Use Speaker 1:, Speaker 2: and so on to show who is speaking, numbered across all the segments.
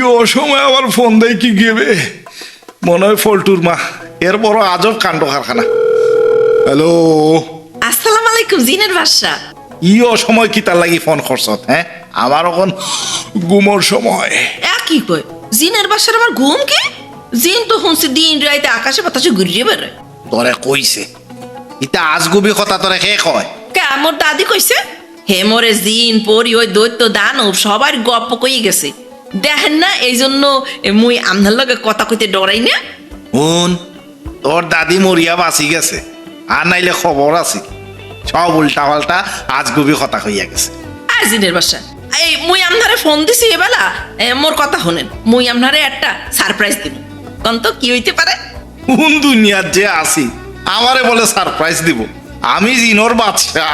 Speaker 1: অসময় আবার ফোন দেয় কি গেবে মনে হয় ফল্টুর মা এর বড় আজব কাণ্ড কারখানা। হ্যালো,
Speaker 2: আসসালামু আলাইকুম জিনের বাদশা।
Speaker 1: অসময় কি তার লাগি ফোন করছত? হ্যাঁ, আমার এখন ঘুমোর সময়।
Speaker 2: কি কয় জিনের বাদশার আমার ঘুম কি? জিন তো শুনছি দিন রাইতে আকাশে বাতাসে ঘুরিয়ে বেড়ায়।
Speaker 1: তোরে কইছে ইতা আজগুবি কথা তোরে কে কয়?
Speaker 2: কে আমার দাদি কইছে হে মোরে জিন পরি ওই দৈত্য দানব সবার গপ্প কই গেছে দেখেন না, এই জন্য মুই আমনার লগে কথা কইতে ডরাই না।
Speaker 1: হুন, তোর দাদি মরিয়া বাঁচি গেছে, আর নাইলে খবর আছে সব উল্টা পাল্টা আজগুবি কথা হইয়া গেছে।
Speaker 2: আর জিনের বাদশা এই মুই আমনারে ফোন দিছি এবেলা মোর কথা শুনেন, মুই আমনারে একটা সারপ্রাইজ দিব। কোন তো কি হইতে পারে?
Speaker 1: কোন দুনিয়ার যে আছি আমারে বলে সারপ্রাইজ দিব? আমি জিনোর বাচ্চা,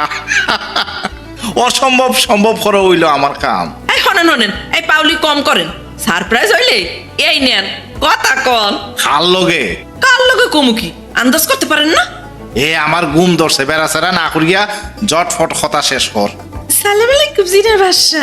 Speaker 1: অসম্ভব সম্ভব করে হইল আমার কাম।
Speaker 2: এই শোনেন শোনেন, এই পাউলি কম করেন, সারপ্রাইজ হইলে এই নেন কথা কন।
Speaker 1: খাল লগে
Speaker 2: কার লগে কমুকি আন্দাজ করতে পারেন না?
Speaker 1: এ আমার ঘুম ধরছে, বেড়াচেরা না করিয়া জটফট কথা শেষ কর।
Speaker 2: সালাম আলাইকুম জিনের বাদশা।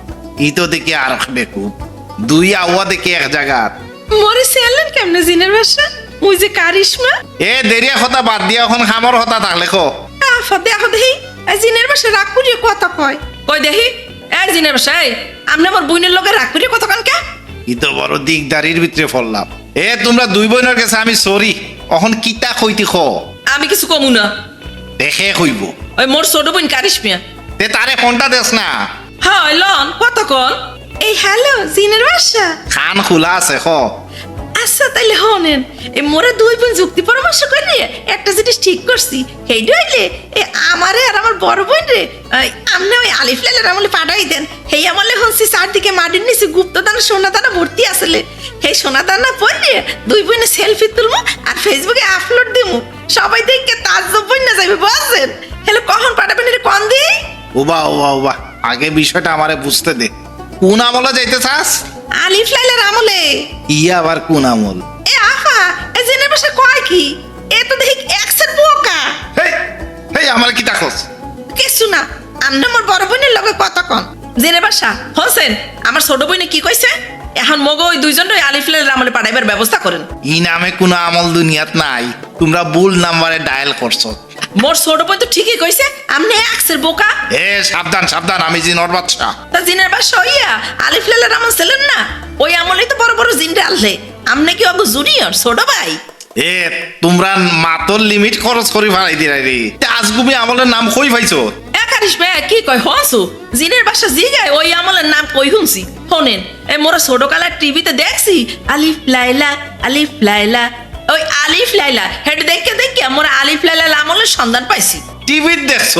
Speaker 1: ই তো দেখি আর বেকু দুই আওয়া দেখি এক জায়গার।
Speaker 2: মরে সেলেন কেমনে জিনের বাদশা? মুই যে কারিশমা।
Speaker 1: এ দেরিয়া কথা বাদ দিয়া এখন খামর কথা থাকলে কো।
Speaker 2: আফা দেখো দেখি এই জিনের বাদশা রাগ করিয়ে কথা কয়। কই দেখি এই জিনের বাদশা, এই আপনি আমার বোনের লগে রাগ করিয়ে কথা কন কে?
Speaker 1: ই তো বড় দিকদারির ভিতরে ফললাম। এ তোমরা দুই বোনের কাছে আমি সরি, এখন কিতা কইতি খ?
Speaker 2: আমি কিছু কমু না,
Speaker 1: দেখে কইব।
Speaker 2: ওই মোর ছোট বোন কারিশমিয়া।
Speaker 1: তে তারে ফোনটা দেস না।
Speaker 2: হ্যাঁ লন কথা কন। এই হ্যালো জিনের বাদশা।
Speaker 1: খান খোলা আছে খ।
Speaker 2: আচ্ছা তাইলে হনেন, এ মোরা দুই বোন যুক্তি পরামর্শ করে একটা জিনিস ঠিক করছি। হেইডা হইলে এ আমারে আর আমার বড় বোন রে আমনে ওই আলিফ লাইলার আমলে পাঠাই দেন। হেই আমলে হনছি চারদিকে মাটির নিচে গুপ্তদানা সোনাদানা ভর্তি আসলে। সেই সোনাদানা পরে দুই বোনে সেলফি তুলবো আর ফেসবুকে আপলোড দিমু, সবাই দেখে তাজ্জব বইনা যাবে বুঝছেন? হেলে কখন পাঠাবেন এটা কোন দিই?
Speaker 1: ওবা ওবা ওবা, আগে বিষয়টা আমারে বুঝতে দে। কোন আমলে যাইতে চাস?
Speaker 2: আলিফ লাইলার আমলে।
Speaker 1: ইয়া আবার কোন আমল?
Speaker 2: এ আফা এ জেনে বসে কয় কি? এ তো দেখি এক্সের বোকা।
Speaker 1: হেই হেই, আমার কি তাকস?
Speaker 2: কিছু না, আমনে মোর বড় বোনের লগে কথা কন। জেনে বাসা হোসেন আমার ছোট বোনে কি কইছে? এখন মগো ওই দুইজন আলিফ লাইলার আমলে পাঠাইবার ব্যবস্থা করেন।
Speaker 1: ই নামে কোন আমল দুনিয়াত নাই, তোমরা ভুল নাম্বারে ডায়াল করছো।
Speaker 2: মোর ছোট বোন তো ঠিকই কইছে, আমনে এক্সের বোকা।
Speaker 1: এ সাবধান সাবধান, আমি জিনোর বাচ্চা।
Speaker 2: তা জিনের বাসা হইয়া আলিফ লাইলার আমল ছিলেন না, ওই আমলেই তো বড় বড় জিনটা আনলে। আমনে কি অগো জুনিয়র ছোট ভাই?
Speaker 1: এ তোমরা মাতর লিমিট খরচ করে ফেলাই দিলাই রে। আজগুবি আমলের নাম কই পাইছো?
Speaker 2: একারিশ ভাই কি কয় হসু জিনের বাসা জিগায় ওই আমলের নাম কই শুনছি। শোনেন এ মোরা ছোট কালার টিভিতে দেখছি আলিফ লাইলা আলিফ লাইলা, ওই আলিফ লাইলা হেড দেখে দেখে মোরা আলিফ লাইলা আমলের সন্ধান পাইছি।
Speaker 1: টিভি দেখছো?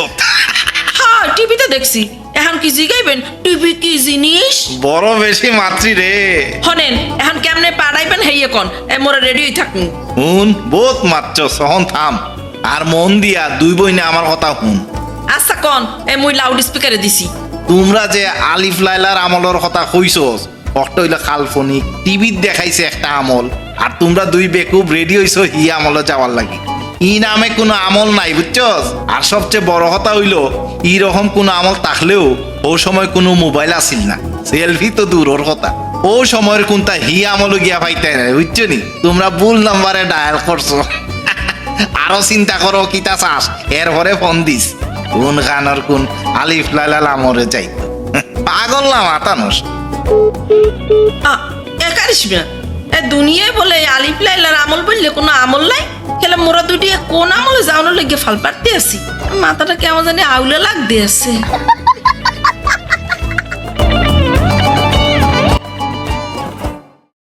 Speaker 2: হ্যাঁ টিভিতে দেখছি। এখন কি জিগাইবেন টিভি কি জিনিস?
Speaker 1: বড় বেশি মাতৃ রে।
Speaker 2: শোনেন এখন কেমনে পাঠাইবেন হেইয়ে কোন, এ মোরা রেডিই থাকুন।
Speaker 1: হুন বহুত মাত্র সহন থাম, আর মন দিয়া দুই বইনে আমার কথা হুন।
Speaker 2: আচ্ছা কোন, এ মুই লাউড স্পিকারে দিছি।
Speaker 1: তোমরা যে আলিফ লাইলার আমলের কথা কইছো অষ্ট হইলো কাল্পনিক, টিভিত দেখাইছে একটা আমল, আর তোমরা দুই বেকুব রেডি হইছো হি আমলে যাওয়ার লাগি। ই নামে কোনো আমল নাই বুঝছস। আর সবচেয়ে বড় কথা হইলো ই রকম কোনো আমল থাকলেও ও সময় কোনো মোবাইল আসিল না, সেলফি তো দূরের কথা। ও সময়ের কোনটা হি আমল গিয়া পাইতে নাই বুঝছো নি। তোমরা ভুল নাম্বারে ডায়াল করছো। আরো চিন্তা করো কিতা চাস, এরপরে ফোন দিস। কোন গানের কোন আলিফ লাইলা আমরে যাইতো, পাগল না মাতানোস।
Speaker 2: একারিশ মিয়া এ দুনিয়ায় বলে আলিফ লাইলার আমল বললে কোনো আমল নাই। খেলে মোরা দুটি কোন আমলে যাওয়ানোর লেগে ফাল পাড়তে আছি, মাথাটা কেমন জানি আউলে লাগতে আছে।